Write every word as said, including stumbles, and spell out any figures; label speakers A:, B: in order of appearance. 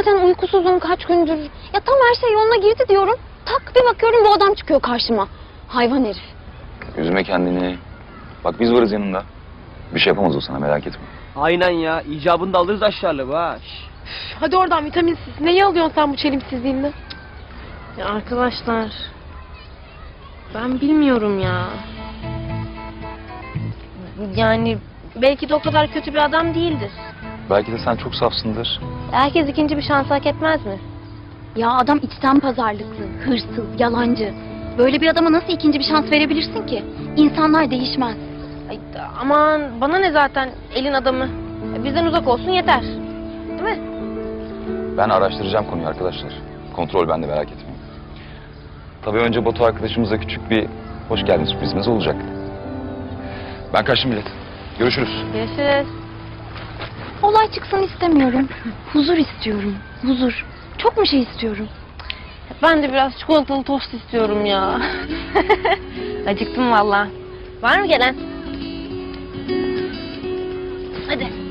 A: zaten uykusuzum kaç gündür. Ya tam her şey yoluna girdi diyorum. Tak bir bakıyorum bu adam çıkıyor karşıma. Hayvan herif.
B: Üzme kendini. Bak biz varız yanında. Bir şey yapamaz o sana, merak etme.
C: Aynen ya. İcabını da alırız aşağılı ha.
D: Hadi oradan vitaminsiz. Neyi alıyorsun sen bu çelimsizliğinle?
E: Ya arkadaşlar, ben bilmiyorum ya. Yani belki de o kadar kötü bir adam değildir.
B: Belki de sen çok safsındır.
E: Herkes ikinci bir şans hak etmez mi?
A: Ya adam içten pazarlıklı, hırsız, yalancı. Böyle bir adama nasıl ikinci bir şans verebilirsin ki? İnsanlar değişmez.
E: Ay, aman bana ne zaten elin adamı. Bizden uzak olsun yeter. Değil mi?
B: Ben araştıracağım konuyu arkadaşlar. Kontrol bende, merak etmeyin. Tabii önce Batu arkadaşımıza küçük bir hoş geldin sürprizimiz olacak. Ben kaçtım millet. Görüşürüz.
E: Görüşürüz.
A: Olay çıksın istemiyorum. Huzur istiyorum. Huzur. Çok mu şey istiyorum?
E: Ben de biraz çikolatalı tost istiyorum ya. Acıktım valla. Var mı gelen? Hadi.